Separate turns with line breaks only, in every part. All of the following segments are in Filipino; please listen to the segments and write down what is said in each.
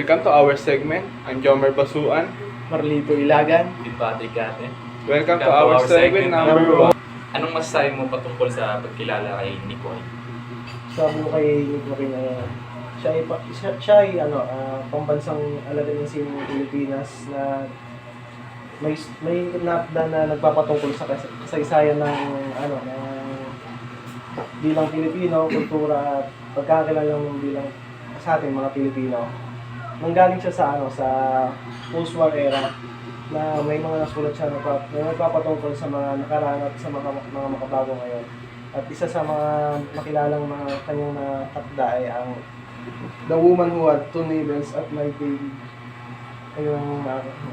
Welcome to our segment. I'm Jomer Basuan.
Marlito Ilagan.
With Patrick Gate.
Welcome to our segment number 1.
Anong masasabi mo patungkol sa pagkilala kay Nicoy?
Sabi ko kay Nico na siya ay pambansang alaga ng sining Pilipinas na may napda na nagpapatungkol sa kasaysayan ng bilang Pilipino, kultura at pagkakilala ng bilang sa ating mga Pilipino. Nanggaling siya sa post-war era na may mga nasulat siya na nagpapatungkol sa mga nakaraan at sa mga makabago ngayon. At isa sa mga makilalang mga kanyang natakda ay ang The Woman Who Had Two Navels at My Baby. Ayun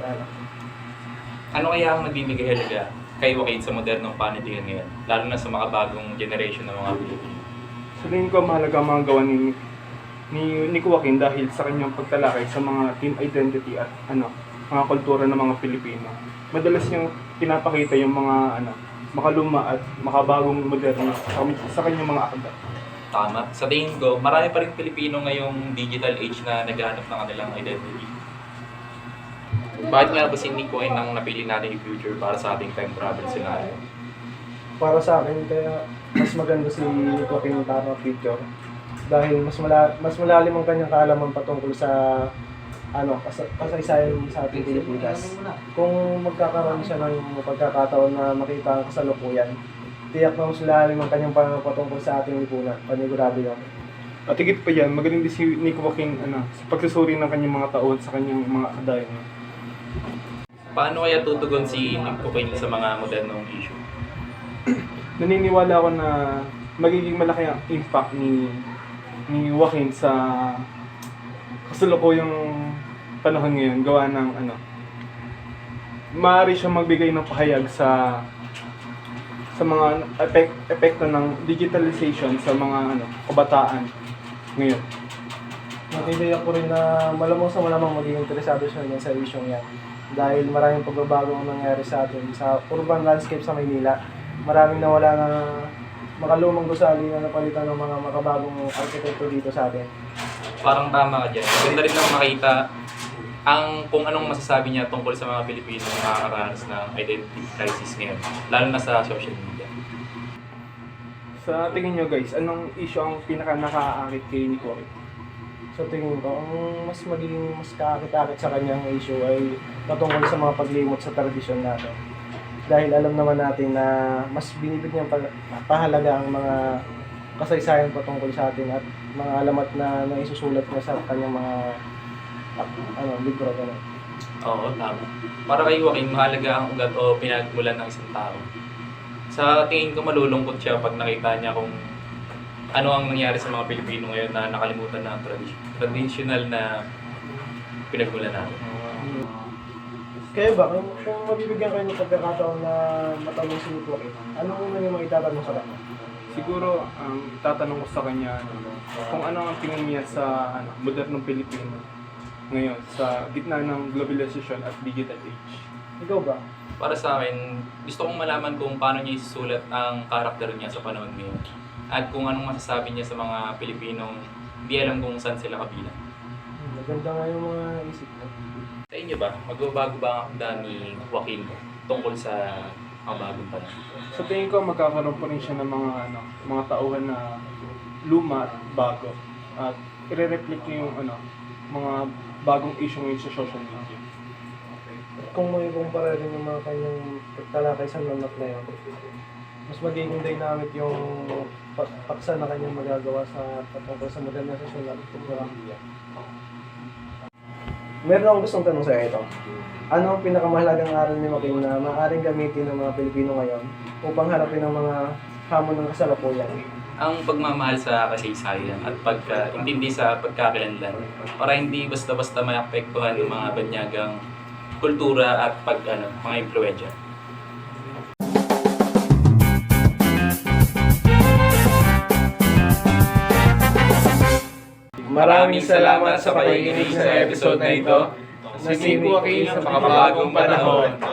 Ano kaya ang nagbibigay halaga kay Joaquin sa modernong panitikan ngayon, lalo na sa makabagong generation ng mga Pilipino?
Sa tingin ko mahalaga ang mga gawa ni Joaquin dahil sa kanyang pagtalakay sa mga team identity at mga kultura ng mga Pilipino. Madalas niyang pinapakita yung mga makaluma at makabagong moderno sa kanyang mga akda.
Tama. Sa tingin ko, marami pa rin Pilipino ngayong digital age na naghahanap ng kanilang identity. Bakit nga ba si Nicoy ang napili natin yung future para sa ating time travel scenario?
Para sa akin, kaya mas maganda si Joaquin Tarno future dahil mas malalim ang kanyang kaalaman patungkol sa kasaysayan sa ating Pilipinas. Kung magkakaroon siya ng pagkakataon na makita ang kasalukuyan, tiyak na mas malalim ang kanyang patungkol sa ating lipunan. Panigurado yan.
At higit pa yan, magaling din si Joaquin sa pagsusuri ng kanyang mga taon sa kanyang mga akdayan.
Paano kaya tutugon si Nicoy sa mga modernong issue?
Naniniwala ako na magiging malaki ang impact ni Joaquin sa kasalukuyang panahon ngayon, gawa ng maaari siyang magbigay ng pahayag sa mga epekto ng digitalization sa mga kabataan ngayon.
Natidiyak ko rin na malamang magiging interesado siya sa isyong yan. Dahil maraming pagbabago ang nangyari sa atin sa urban landscape sa Maynila. Maraming nawala na makalumang gusali na napalitan ng mga makabagong arkitekto dito sa atin.
Parang tama ka dyan. Ganda rin lang makita kung anong masasabi niya tungkol sa mga Pilipino na nakakaranas ng identity crisis ngayon, lalo na sa social media.
Sa tingin nyo guys, anong issue ang pinaka nakakaakit kay Nicoy?
So tingin ko, ang mas kakakit-akit sa kanyang issue ay patungkol sa mga paglimot sa tradisyon natin. Dahil alam naman natin na mas binibigyan pahalaga ang mga kasaysayan patungkol sa atin at mga alamat na naisusulat niya sa kanyang mga libro. Gano'n.
Oo, tama. Para kay Joaquin, mahalaga ang ugat o pinagmulan ng isang tao. Sa tingin ko, malulungkot siya pag nakita niya kung ano ang nangyari sa mga Pilipino ngayon na nakalimutan na ang traditional na pinagmulan natin.
Kaya ba, kung mabibigyan kayo ng pagkakataon na matanong si Joaquin, anong una niyo maitatanong sa kanya?
Siguro, ang tatanong ko sa kanya kung ano ang tingin niya sa modernong Pilipino ngayon sa gitna ng globalization at digital age.
Ikaw ba?
Para sa akin, gusto kong malaman kung paano niya isusulat ang karakter niya sa panahon ngayon. At kung anong masasabi niya sa mga Pilipinong hindi alam kung saan sila kabilang.
Maganda nga yung mga isip mo.
Sa inyo ba, magbabago ba ang akda ni Joaquin tungkol sa bagong panahon?
Sa tingin ko, magkakaroon pa rin siya ng mga tauhan na luma at bago. At i-reflect niya yung mga bagong issue ngayon sa social media.
Kung may kumpara rin yung mga kanyang pagtalakay sa nanap na yun, mas magiging dynamic yung paksa na kanyang magagawa sa patungkol sa modernisasyon at kultura. Meron akong gustong tanong sa ito. Ano ang pinakamahalagang aral ni Joaquin na maaaring gamitin ng mga Pilipino ngayon upang harapin ang mga hamon ng kasalukuyan?
Ang pagmamahal sa kasaysayan at pagkaintindi sa pagkakakilanlan para hindi basta-basta maapektuhan ng mga banyagang kultura at mga impluwensya.
Maraming salamat sa pakikinig sa episode na ito.
Si Joaquin sa makabagong panahon.